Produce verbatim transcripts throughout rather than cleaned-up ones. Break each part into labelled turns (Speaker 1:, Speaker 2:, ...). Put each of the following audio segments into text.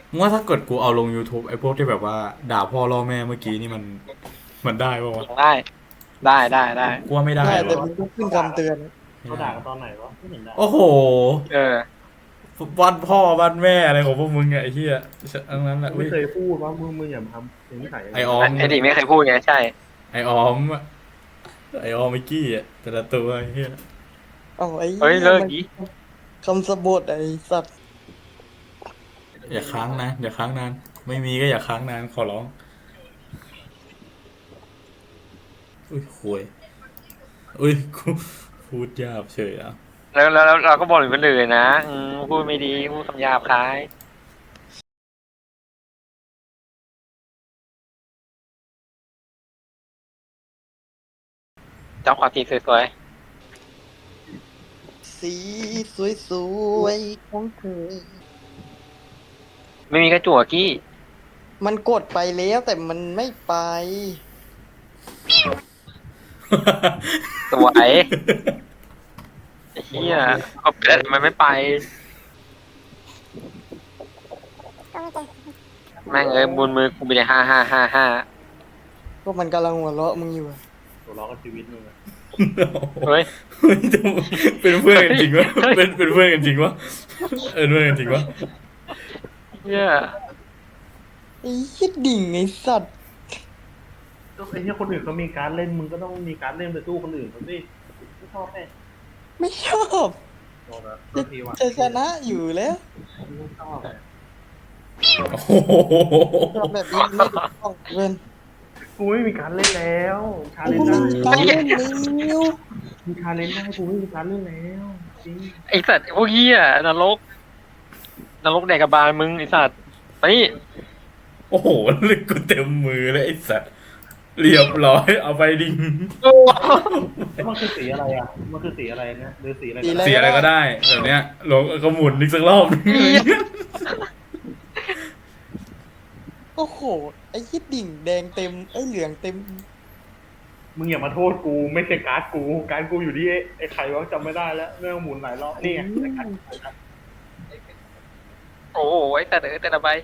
Speaker 1: มึงว่าถ้าเกิดกูเอาลง YouTube ไอ้พวกที่แบบว่าด่าพ่อล่อแม่เมื่อกี้นี่มันมันได้ป่าวะ
Speaker 2: ได้ได้ได้ได้
Speaker 1: กูว่าไม่ได้
Speaker 3: ได้แต่
Speaker 1: วะ
Speaker 3: มึงต้องขึ้นคำเตือน
Speaker 4: เขาด่ากันตอนไหนวะไม่เห็นด่า
Speaker 1: โอ้โห
Speaker 2: เออ
Speaker 1: บ้านพ่อบ้านแม่อะไรของพวกมึงไงไอ้เหี้ยอันนั้นแหละ
Speaker 4: ไม่เคยพูดว่ามึงมึงอย่าทำอย่างนี้ถ่าย
Speaker 1: ไอออม
Speaker 2: ไอ้ดิไม่เคยพูดไงใช่
Speaker 1: ไอออมไอออมไอกี้อ่ะแต่ละตัวไอ้เหี้ย
Speaker 3: เอ้าไอ้
Speaker 2: เฮ้ยเลิก
Speaker 3: มัน
Speaker 2: ดิ
Speaker 3: คำสะบดไอ้สัตว์
Speaker 1: อย่าค้างนะอย่าค้างนานไม่มีก็อย่าค้างนานขอร้องอุ้ยคุยอุ้ยกูพูดหยาบเฉยอ่ะ
Speaker 2: แล้วแล้วแล้วเราก็บอกถึงคนอื่นนะอืมพูดไม่ดีพูดคำหยาบคายเจ้าขอทีสวย
Speaker 3: สีสวยๆของเธอ
Speaker 2: ๆไม่มีกระจั่วกี้
Speaker 3: มันกดไปแล้วแต่มันไม่ไป
Speaker 2: สวยไอ้เหี้ยก็ไปแล้วทำไมไม่ไปแม่งเอ้ยบนมือกูไปเลยห้าห้าห้าห้า
Speaker 3: ก็มันกำลังหัวเราะมึงอยู่อะ
Speaker 4: ตัวล้อกับชีวิตมึงอะ
Speaker 2: เฮ้ย
Speaker 1: เฮ้ยจะเป็นเพื่อนกันจริงวะเป็นเป็นเพื่อนกันจริงวะเออเพื่อนกันจริงวะ
Speaker 2: เหี้ย
Speaker 3: ไอ้ยิดดิ่งไอ้สัตว์
Speaker 4: ก็ไอ้เนี่ยคนอื่นเขามีการเล่นมึงก็ต้องมีการเล่นไปสู้คนอื่นเขาสิไม่ชอบแน่
Speaker 3: ไม่ชอบ
Speaker 4: โดนนะโท
Speaker 3: จะ
Speaker 4: ษทีว่ะ
Speaker 3: จะชนะอยู่แล้ว
Speaker 4: ไม่ชอบอะ
Speaker 1: โอ้โห
Speaker 3: ชอบแบบนี้ไม่ถูกต้องเว้น
Speaker 4: กูไม่มีการเล่นแล้วชาเล
Speaker 3: กู
Speaker 4: นจ์
Speaker 3: ไม่
Speaker 4: ได้
Speaker 3: มีการเล่นนิ้ว
Speaker 4: มีชาเลนจ์ได้กูไม่มีการเล่นแล้วจริง
Speaker 2: ไอ้สัตว์พวกเหี้ยนรกนรกแดกกระบาลมึงไอ้สัตว์ไปนี่
Speaker 1: โอ้โหลึกกูเต็มมือเลยไอ้สัตว์เรียบร้อยเอาไปดิง
Speaker 2: โอ้
Speaker 4: แล้วมันคือสีอะไรอ่ะมันคือสีอะไรนะหรือสีอะไร
Speaker 3: สี
Speaker 4: ก็
Speaker 3: อะไร
Speaker 4: ได้
Speaker 1: เสียอะไรก็ได้แบบเนี้ยลงก็หมุนอีกสักรอบนึง
Speaker 3: โอ้โหไอ้ยิดดิ่งแดงเต็มไอ้เหลืองเต็ม
Speaker 4: มึงอย่ามาโทษกูไม่ใช่การ์ดกูการ์ดกูอยู่ที่ไอ้ใครวะจำไม่ได้แล้วเรื่องหมุนหลายรอบนี่ไงไอ้การ์ด
Speaker 2: โหไอ้แต่เด้อแต่ละใบ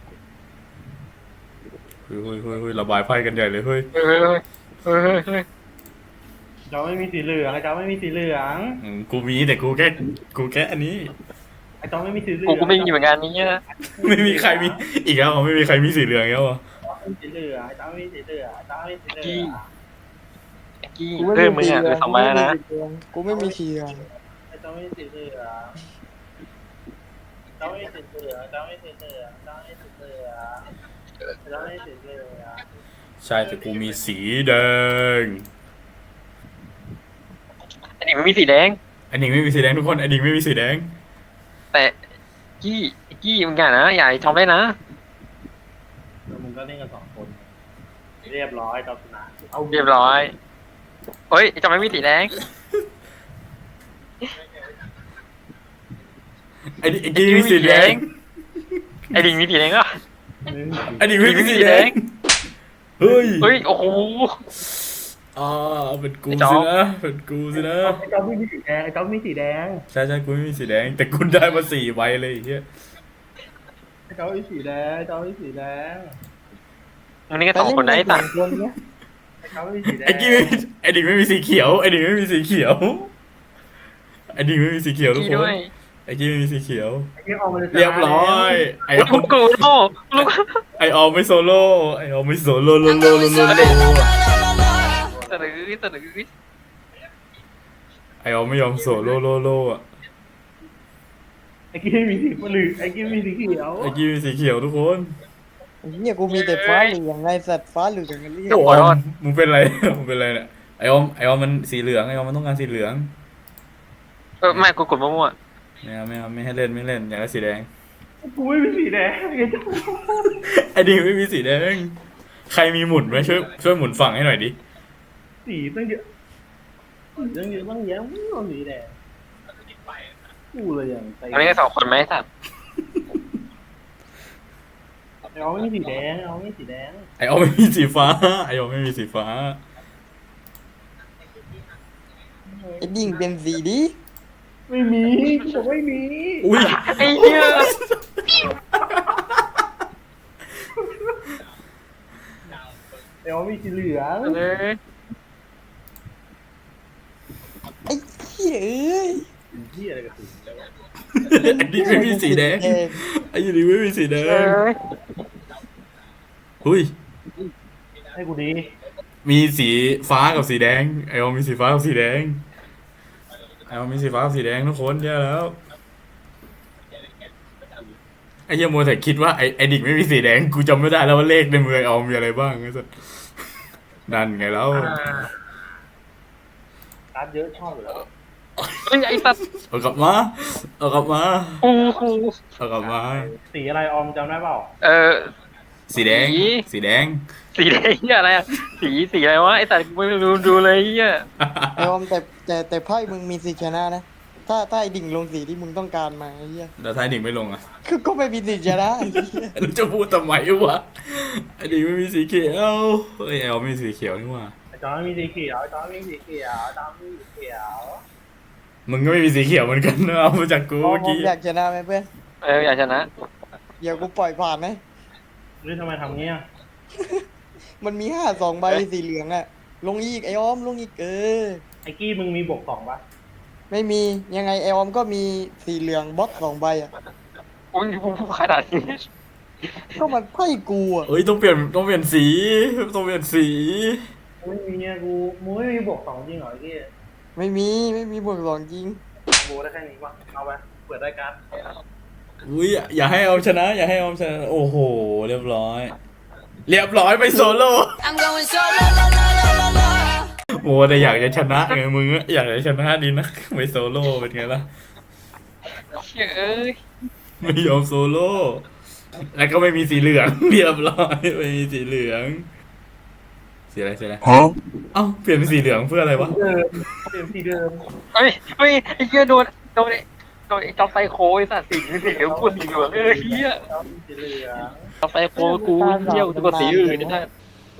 Speaker 1: เฮ้ยเฮ้ยเฮ้ยเฮ้ยระบายไพ่กันใหญ่เลยเฮ้ย
Speaker 2: เฮ้ยเฮ้ยเฮ้ยเฮ้ยเฮ้ย
Speaker 4: เจ้าไม่มีสีเหลืองไอ้เจ้าไม่มีสีเหลือง
Speaker 1: อืมกูมีแต่กูแค่กูแค่อันนี้
Speaker 4: ไอ้เจ้าไม่มีสีเหลือง
Speaker 2: กูก็ไม่มีเหมือนกันนี่นะ
Speaker 1: ไม่มีใครมีอีกแล้วเหรอไม่มีใครมีสีเหลืองแล้วเหรอ
Speaker 4: ไม่มีสีเหลืองไอ้เจ้าไม่มีสีเหลืองไอ้เจ้าไม่มีสีเหลือง
Speaker 2: กี้
Speaker 3: กูไม่
Speaker 2: เพิ่มมึ
Speaker 3: มี
Speaker 2: ง
Speaker 3: สี
Speaker 2: อ่ะ
Speaker 3: เหลื
Speaker 2: เหลื
Speaker 3: อ
Speaker 2: อง สองใบแล้วนะ
Speaker 3: กูไม่มีสีเหลือง
Speaker 4: ไอ้เจ้าไม่มีสีเหลืองเจ้าไม่มีสีเหลืองเจ้าไม่มีสีเหลืองเจ้าไม่มีสีเหลืองเจ้าไม่มีสีเหลือง
Speaker 1: ใช่แต่กูมีสีแดง
Speaker 2: อันนี้มันมีสีแดง
Speaker 1: อันนี้ไม่มีสีแดงทุกคนอันนี้ไม่มีสีแดง
Speaker 2: แต่กี้กี้มึงอย่านะอย่าทำได้นะ
Speaker 4: แล้วมึงก็เล่นกันสองคน เรียบร้อยเจ้าชนะเอา
Speaker 2: เรียบร้อยเฮ้ยจะไม่มีสีแดง
Speaker 1: ไอ้นี่ไอ้นี่มีสีแดง
Speaker 2: ไอ้ดิงมีสีแดงก็
Speaker 1: ไอ้นี่ไม่มีสีแดงเฮ้ย
Speaker 2: เฮ้ยโอ้โห
Speaker 1: อ่าเป็นกู
Speaker 2: ไอ้จ๊อ
Speaker 1: สิ
Speaker 2: บ
Speaker 1: นะเป็นกูสินะ
Speaker 4: ไอ้เจ้าไม่มีสีแดงไอ้เจ้าไม่มีสีแดง
Speaker 1: ใช่ใช่กูไม่มีสีแดง แต่กูได้มาสี่ใบเลยไอ้เฮีย
Speaker 4: ไอ้เจ้าไม่มีสีแดงไอ้เจ้าไม่มีสีแดง
Speaker 2: มึงนี่ก็สองคนนะไอ้สัตว์
Speaker 3: คนเนี้ย
Speaker 4: ไอ้เจ้าไม่มีสีแดง
Speaker 1: ไอ้กี้ไม่มีไอ้ดิงไม่มีสีเขียวไอ้ดิงไม่มีสีเขียวไอ้ดิงไม่มีสีเขียวทุก
Speaker 2: กี้
Speaker 1: ค
Speaker 2: ด้
Speaker 1: น
Speaker 2: วย
Speaker 1: ไอ้กี้ไม่มีสีเขียว
Speaker 4: ไอ้เจ้าออกมาเลย
Speaker 1: เรียบร้อยไอออ
Speaker 2: ลู
Speaker 1: ม
Speaker 2: กกูโลกลูก
Speaker 1: ไอออมไม่โซโล่ไอออมไม่โซโล่โลโลโลโลโล
Speaker 2: สะดือสะดือ
Speaker 1: ไอออมไม่ยอมโซโล่โลโลอ่ะ
Speaker 4: ไอ้กี้ไม่มีสีเหลืองไอ้กี้ไม่มีสีเขียว
Speaker 1: ไอกี้มีสีเขียวทุกคน
Speaker 3: เนี่ยกูมีแต่ฟ้าเหลืองไงสัตว์ฟ้าเหลืองกันเรียก
Speaker 1: ไอออมมึงเป็นไรมึงเป็นไรเนี่ยไอออมไอออมมันสีเหลืองไอออมมันต้องการสีเหลือง
Speaker 2: เออไม่กูกดมั่ว
Speaker 1: ไม่เอาไม่เอาไม่ให้เล่นไม่เล่นอยากได้สีแดง
Speaker 4: กูไม่มีสีแดงไอ้เจ้า
Speaker 1: ไอดิงไม่มีสีแดงใครมีหมุนไหมช่วยช่วยหมุนฝั่งให้หน่อยดิ
Speaker 4: สีตั้งเยอะสีตั้งเยอะตั้งแยะไม่เอาสีแดงกูเลยอย่างใจ
Speaker 2: ๆอันนี้ก็สองคนไหมสัตว์
Speaker 4: เอาไม่มีสีแดงเอาไม่มีสีแดง
Speaker 1: ไอออมไม่มีสีฟ้าไอออมไม่มีสีฟ้า
Speaker 3: ไอ้ดิ่งเป็นสีดิ
Speaker 4: ไม่มีกูบอกไม่มี
Speaker 1: อุ้ย
Speaker 2: ไอ้เหี้ย
Speaker 4: สีเหลือง
Speaker 2: เลย
Speaker 3: ไอ้เหี้ยเอ้ย
Speaker 4: เหี้ยอะไรกับสีแล้ววะ
Speaker 1: ไอ้ดิไม่มีสีแดงไอ้ดิไม่มีสีแด
Speaker 2: เอง อ
Speaker 1: หุย
Speaker 4: ให้กูดี
Speaker 1: มีสีฟ้ากับสีแดงไอออมมีสีฟ้ากับสีแดงไอออมมีสีฟ้ากับสีแดงทุกคนเยอะแล้วไอ้เหี้ยโมวแต่คิดว่าไอไอดิกไม่มีสีแดงกูจำไม่ได้แล้วว่าเลขในมือไอออมมีอะไรบ้างไอ้สัสนั่นไงแล้ว
Speaker 4: การ์ดเยอะชอบอยู่แล้ว
Speaker 2: เฮ้ยไอ้สัตว์
Speaker 1: เอากลับมาเอากลับมา
Speaker 2: กูกู
Speaker 1: เอากลับมา
Speaker 4: สีอะไรออมจำได้เปล่า
Speaker 2: เออ
Speaker 1: สีแดง
Speaker 2: สี
Speaker 1: สีแดง
Speaker 2: สีแดงเหี้ยอะไรอะสีสีอะไรวะไอ้สัตว์กูไม่รู้ดูเลยเหี้ย
Speaker 3: ไอ้ออมแต่แต่แต่ไพ่มึงมีสิทธิ์ชนะนะถ้าถ้าไอ้ดิ่งลงสีที่มึงต้องการมาไอ้เหี้ย
Speaker 1: แล้วท้ายดิกไม่ลงอ่ะ
Speaker 3: คือก็ไม่มีสิทธิ์ชนะไอ้เหี้ย
Speaker 1: แล้วจะพูดทำไมวะไอดิกไม่มีสีเขียวเฮ้ยไอออมมีสีเขียวนี่หว่า
Speaker 4: ไอ้จอนมีสีเขียวไอ้จอนมีสีเขียวจอนมีสีเขียว
Speaker 1: มึงก็ไม่มีสีเขียวเหมือนกันนะเอามาจากกู
Speaker 3: ออ
Speaker 1: เมื่
Speaker 3: ม
Speaker 1: อกี้
Speaker 3: อยากชนะไหมเพื่อน
Speaker 2: เอออยากชนะ
Speaker 3: เดี๋ยวกูปล่อยผ่านไหม
Speaker 4: นี่ทำไมทำเงี้ย
Speaker 3: มันมีห้าสองใบสีเหลืองอะลงอีกไอ้ออมลงอีกเออ
Speaker 4: ไอ้กี้มึงมีบวกสองปะ
Speaker 3: ไม่มียังไงไอ้ออมก็มีสีเหลืองบล็อกสองใบอะ
Speaker 2: อุ้ยกูขนาดนี้
Speaker 3: ก็มันไพ่กูอะ
Speaker 1: เอ้ยต้องเปลี่ยนต้องเปลี่ยนสีต้องเปลี่ยนสี
Speaker 4: ไม่มีเนี่ยกูมึงไม่มีบวกสองจริงเหรอไอ้กี้
Speaker 3: ไม่มีไม่มีบวกสองจริง
Speaker 4: โบได้แค่นี้ปะเอาไปเปิดได้การ์ด
Speaker 1: อุ้ยอย่าให้เอาชนะ อย่าให้เอาชนะโอ้โหเรียบร้อย เรียบร้อยไปโซโล่
Speaker 5: I'm going solo, la, la, la, la, la.
Speaker 1: โอ้แต่อยากจะชนะไงมึงอะอยากจะชนะดีนะไปโซโล่เป็นไงล่ะ
Speaker 2: เชี่ยเอ้ย
Speaker 1: ไม่ยอมโซโล่แล้วก็ไม่มีสีเหลือง เรียบร้อยไม่มีสีเหลืองสีอะไรสีอะไรเอ้าเปลี่ยนเป็นสีเหลืองเพื่ออะไรวะ
Speaker 4: เดิมเดิมสีเดิม
Speaker 2: เฮ้ยเฮ้ยไอ้เหี้ยโดนโดนไอ้โดนไอ้จอมไซโคไอ้สัตว์สีสีเหลืองกูสีเหลืองเออเหี้ย
Speaker 4: จอนมีสีเหลือง
Speaker 2: จอมไซโคกูเหี้ยกูกดสีอื่นนี่นะ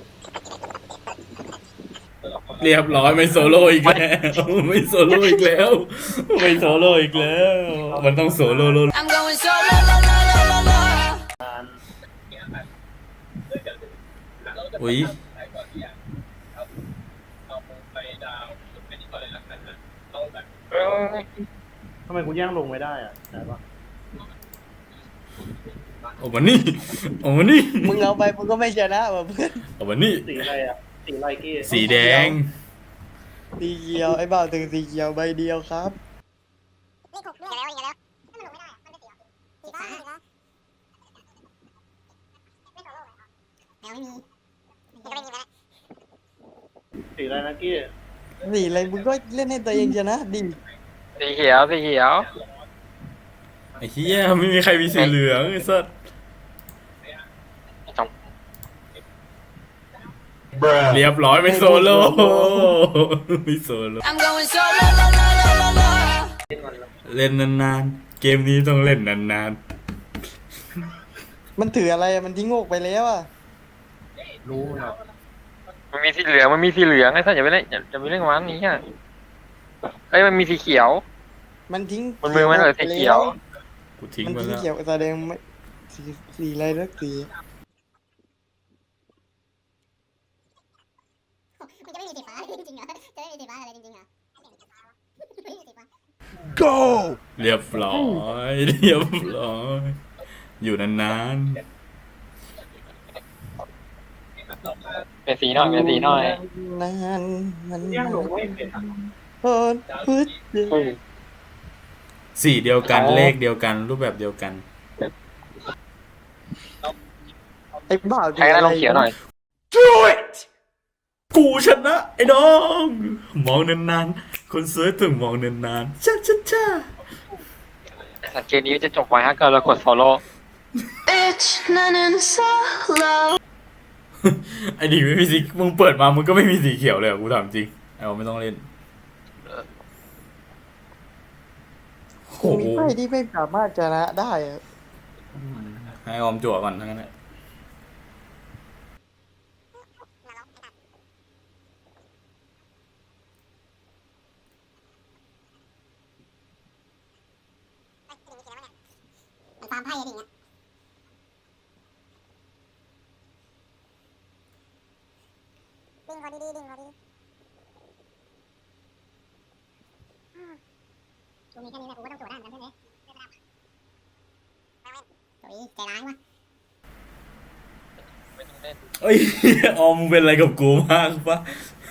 Speaker 1: เรียบร้อยไม่โซโล่อีกแล้วไม่โซโล่อีกแล้วไม่โซโล่อีกแล้ว มันต้องโซโล่โล่
Speaker 5: I'm going solo, la, la, la, la, la.
Speaker 1: อุ้ย
Speaker 2: เออ
Speaker 4: ทำไมกูแย่งลงไม่ได้อะไหนปะ
Speaker 1: ออกมานี่ออกมานี่
Speaker 3: มึงเอาไปมึงก็ไม่ชนะว่ะเพื่อน
Speaker 1: ออกมานี่
Speaker 4: สีอะไรอะสีอะไรกี้
Speaker 1: สีแดง
Speaker 3: สีเขียวไอ้บ่าวถึงสีเขียวใบเดียวครับ
Speaker 6: เลขหกด้วยอย่าแล้วอย่าแล้วถ้ามันลงไม่ได้อะมันเป็นสีอะไรสีฟ้าสีฟ้าไม่โซโล่เลยอ่ะแมวไม่มีมันก็ไม่มีแล้ว
Speaker 4: สีอะไรนะกี้
Speaker 3: สีอะไรมึงก็เล่นให้ตัวเองชนะดิ
Speaker 2: สีเขียวสีเขียว
Speaker 1: ไอ้เหี้ยไม่มีใครมีสีเหลืองไอ้สัส
Speaker 2: จอม
Speaker 1: เรียบร้อยไม่โซโล่ไม่โซโล่
Speaker 5: I'm going solo, la, la, la, la, la.
Speaker 1: เล่นนานๆ เกมนี้ต้องเล่นนาน
Speaker 3: มันถืออะไรอะมันทิ้งโงกไปแล้วอะ
Speaker 4: รู้มันหรอ
Speaker 2: มันมีสีเหลืองมันมีสีเหลืองไอ้สัตว์อย่าไปเล่นอย่าอย่าไปเล่นกับมันนี้อ่ะเอ้ยมันมีสีเขียว
Speaker 3: มันทิ้ง
Speaker 2: มันมือมันเหรอสีเขียว
Speaker 1: ๆ กูทิ้ง
Speaker 3: มัน
Speaker 1: ไป
Speaker 3: ทิ้ง
Speaker 1: แล้ว
Speaker 3: เขียวแสดงไม่สีสีอะไรสักสี
Speaker 6: มันจะไม่มีสีฟ้าจริงๆเหรอจะไม่มีสีฟ้าอะไรจริงๆเหรอไม่มีสีฟ้า
Speaker 1: เรียบร้อยเรียบร้อยอยู่นาน
Speaker 2: เป็นสีหน่อยเป็นสีหน่อย
Speaker 3: นานมัน
Speaker 4: แย่งลงไม่เป็นอะ
Speaker 3: โอ้พุทธ
Speaker 2: เฮ้ย
Speaker 1: ๆสีเดียวกัน
Speaker 2: อ๋อ
Speaker 1: เลขเดียวกันรูปแบบเดียวกัน
Speaker 3: ไอ้บ่าว
Speaker 2: ใครก็ได้ลงเขียวหน่อย
Speaker 1: Do it กูชนะไอ้น้อง มองนานๆ คนสวยต้องมองนานๆช้าช้าช้า
Speaker 2: สังเกตนี้จะจบไว้ถ้าเกิดเรากด follow
Speaker 5: Bitch, 나는 solo.
Speaker 1: ไอ้ดิไม่มีสีมึงเปิดมามึงก็ไม่มีสีเขียวเลยอะกูถามจริงเอาไม่ต้องเล่นโอ้โห
Speaker 3: มีไพ่ที่ไม่สามารถชนะได้อะ
Speaker 1: ให้ออมจั่วก่อนทั้งนั้นแหละ
Speaker 6: มันฟาร์มไพ่อะไรอย่างเงี้ย
Speaker 3: ม
Speaker 6: อดีๆดิ่งพอดีกูมีแค่นี้แหละกูก็ต้องโจทย์ได้เหมือนกันใช่ไหมโอ้ยใจร้ายวะ
Speaker 2: ไม่ต้องเล่น
Speaker 1: เอ้ย ออมมึงเป็นอะไรกับกูมากปะ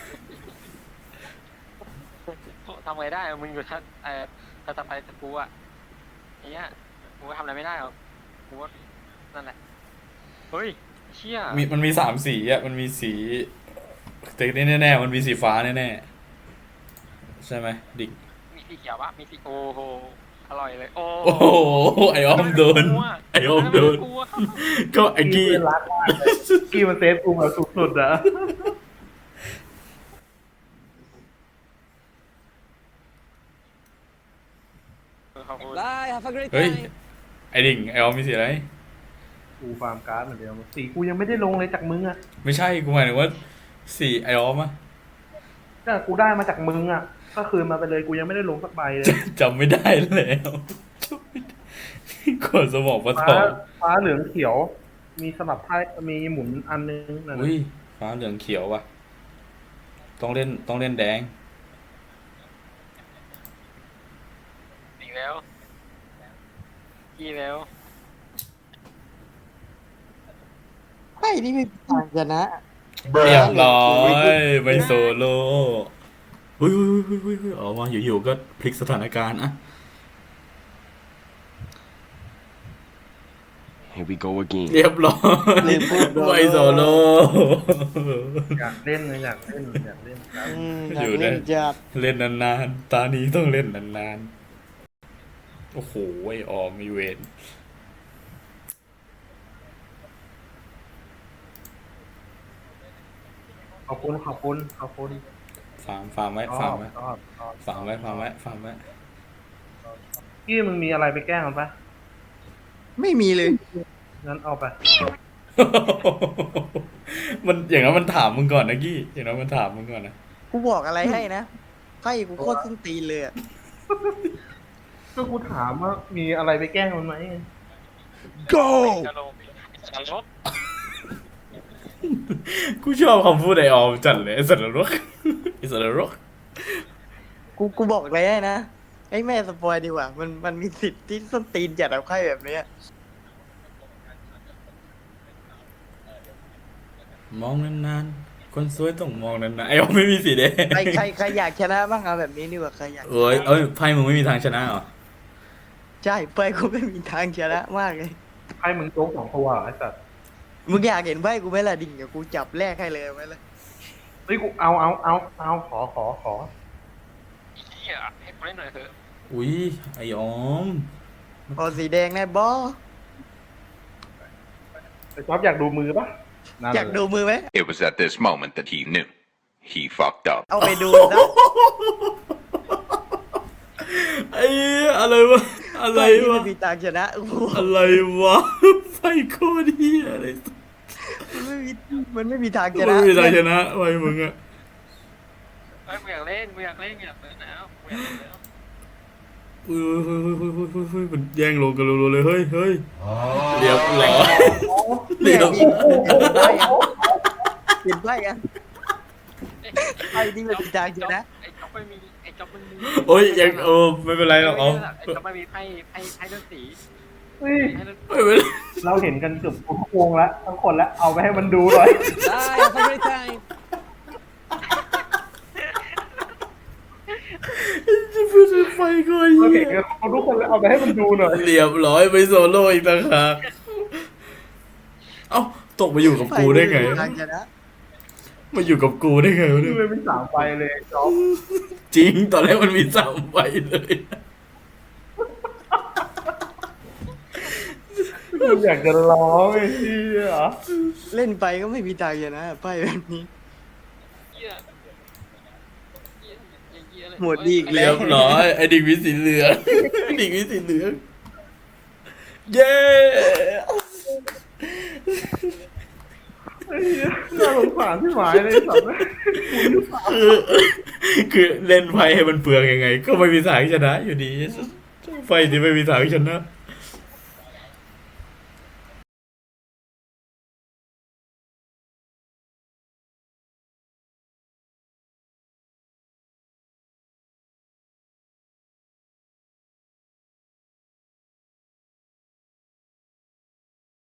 Speaker 2: ทำไงได้มึงอยู่ท่าเอ่อท่าตะไคร้ตะกูอ่ะไอ้เนี้ยกูก็ทำอะไรไม่ได้หรอกกูว่านั่นแหละเฮ้ยเชี่ย
Speaker 1: มีมันมีสามสีอ่ะมันมีสีแต่แน่ๆมันมีสีฟ้าแน่ๆใช่ไหมดิก
Speaker 2: มีสีเขียวปะมีสีโอ้โหอร่อยเลยโอ้
Speaker 1: โอ้โหไอออมโดนไอออมโดน
Speaker 2: กลัว
Speaker 1: ก็ไอกี้
Speaker 4: เพื่อนรักมากเลยกี้มันเซฟกูแบบสุดๆอะ
Speaker 2: ขอบคุณ
Speaker 7: Bye, have a great
Speaker 1: เฮ้ย
Speaker 7: time.
Speaker 1: ไอดิ่งไอออมมีสีอะไร
Speaker 4: กูฟาร์มการ์ดเหมือนเดิมสีกูยังไม่ได้ลงเลยจากมึงอะ
Speaker 1: ไม่ใช่กูหมายถึงว่าสีไอออมอะ
Speaker 4: ก็กูได้มาจากมึงอะก็คืนมาไปเลยกูยังไม่ได้ลงสักใบเลย
Speaker 1: จำไม่ได้แล้วกดสมองปะท
Speaker 4: ฟ้า
Speaker 1: อง
Speaker 4: ฟ้าเหลืองเขียว มีสลับไพ่มีหมุนอันนึงนั่น
Speaker 1: อุ้ย
Speaker 4: น่ะ
Speaker 1: ฟ้าเหลืองเขียวว่ะต้องเล่นต้องเล่นแดง
Speaker 2: อีกแล้วกี่แล้ว
Speaker 3: ไพ่นี่ไม่มีทางชนะ
Speaker 1: เรียบร้อยไปโซโล่เฮ้ยเฮ้ยเฮ้ยเฮ้ยเฮ้ยออกมาอยู่ๆก็พลิกสถานการณ์อะ
Speaker 8: Here we go again.
Speaker 1: เรียบร้อย
Speaker 3: ลืมพูด
Speaker 1: ไปโซโล่
Speaker 4: อยากเล่นเลยอยากเล่นอยากเล่นครับ
Speaker 3: อืมอยากเล่นจัด
Speaker 1: เล่นนานๆตานี้ต้องเล่นนานๆโอ้โหไอออมมีเวร
Speaker 4: ขอบคุณขอบคุณขอบคุณ
Speaker 1: ฟาร์มฟาร์มไว้
Speaker 4: ช
Speaker 1: ฟา
Speaker 4: อ
Speaker 1: ร์ม
Speaker 4: บ
Speaker 1: ไว้
Speaker 4: ชอบชอบ
Speaker 1: ฟาร์มไว้ฟาร์มไว้ฟาร์มไว้
Speaker 4: กี้มึงมีอะไรไปแกล้งมันปะ
Speaker 3: ไม่มีเลย
Speaker 4: งั้นเอาไป
Speaker 1: มันอย่างนั้นมันถามมึงก่อนนะกี้อย่างนั้นมันถามมึงก่อนนะ
Speaker 3: กูบอกอะไรให้นะไพ่กูโคตรส้นตีนเลยอะ
Speaker 4: ก็กูถามว่ามีอะไรไปแกล้งมันไหม
Speaker 2: จะลงจะลบ
Speaker 1: กูชอบคำพูดไอออมจัดเลยไอสัตว์นรกไอสัตว์นรก
Speaker 3: กูกูบอกอะไรให้นะไอ้แม่สปอยดีกว่า มันมันมีสิทธิ์ที่ส้นตีนจัดเอาไพ่แบบเนี้ย
Speaker 1: มองนานๆคนสวยต้องมองนานๆไอออมไม่มีสีแดง
Speaker 3: ใครใครใครอยากชนะบ้างเอาแบบนี้ดีกว่าใครอยากชนะ
Speaker 1: เอ้ยเอ้ยไพ่มึงไม่มีทางชนะเหรอ
Speaker 3: ใช่ไพ่กูไม่มีทางชนะมากเลย
Speaker 4: ให้มึงโจ๊กสองตัวเหรอไอ้สัตว์
Speaker 3: มึงอยากเห็นไพ่กูไหมล่ะดิ่งเดี๋ยวกูจับแลกให้เลยไหมล่ะ
Speaker 4: เฮ้ยกูเอาเอาเอาเอาขอขอขอ
Speaker 2: เหี้ยให้กูเล่นหน่อยเถอะ
Speaker 1: อุ้ยไอออม
Speaker 3: พอสีแดงแน่บอ
Speaker 4: ไอ้จ๊อบอยากดูมือปะนั่น
Speaker 3: อยากดูมือไหม
Speaker 9: It was at this moment that he knew. He fucked up.
Speaker 3: เอาไปดูนะ
Speaker 1: ไอ้อะไรวะอะไร
Speaker 3: ไพ่ที่
Speaker 1: วะ
Speaker 3: ไม่มีทางชนะโอ้โห
Speaker 1: อะไรวะไพ่โคตรเฮียอะไร
Speaker 3: มันไม่มีมันไม่มีทางช
Speaker 1: ไม่
Speaker 3: นะ
Speaker 1: มีทางชนะไว้มึงอะ
Speaker 2: เฮ้ยกูอยากเล่นกูอยากเล่นอยากเล่นแล้วกูอยากเล่นแล้ว
Speaker 1: อุ้ยเฮ้ยเฮ้ยเฮ้ยเฮ้ยเฮ้ยเฮ้ยมันแย่งลงกันรัวๆเลยเฮ้ยเฮ้ยเรียบร้อย
Speaker 3: เรี
Speaker 1: เรี
Speaker 3: ย
Speaker 1: ย
Speaker 3: บบ เปลี่ยนไพ่กันไพ่ที่ไม่มีทางชนะ
Speaker 2: ไอ้จ๊อบไม่มีไอ้จ๊อบมันมี
Speaker 1: โอ้ยยังเออไม่เป็นไรหรอกเอา
Speaker 2: ไอ้จ๊อบไม่มีไพ่ไพ่ไพ่เลือดสี
Speaker 4: เฮ้ย
Speaker 2: ไพ่เลือด
Speaker 1: ไม่เป็นไร
Speaker 4: เราเห็นกันเกือบทุกวงแล้วทั้งคนแล้วเอาไปให้มันดูหน่อย
Speaker 7: Bye, have a great time.
Speaker 1: จะพูดไฟก่อน
Speaker 4: เรา
Speaker 1: เหี้
Speaker 4: เห็น
Speaker 1: ย
Speaker 4: กันทุกคนแล้วเอาไปให้มันดูหน่อย
Speaker 1: เรียบร้อยไปโซโล่อีกต่างหากเอ้าตกมาอยู่กับกูได้ไง
Speaker 3: ทางชนะ
Speaker 1: มาอยู่กับกูได้ไงวะเนี่ย
Speaker 4: เลยเป็นสามใบเลยจ๊อบ
Speaker 1: จริงตอนแรกมันมีสามใบเลย
Speaker 4: กูอยากจะร้องไอ้เหี้ย
Speaker 3: เล่นไปก็ไม่มีทางชนะไพ่แบบนี้
Speaker 2: เหี้ยเหี้ยเหี้ยเลย
Speaker 3: หมดดีอีกแล้
Speaker 1: เรี
Speaker 3: ว
Speaker 1: ยบร้อยไอ้ดิ่งวิสีเหลืองไอ้ดิ่งวิสีเหลืองเย้
Speaker 4: ไอ้เหี้ยน่าสงสารที่หมายเลยสัตว์
Speaker 1: คือคือเล่นไฟให้มันเปลืองยังไง ก็ไม่มีทางชนะอยู่ดีไฟที่ไม่มีทางชนะ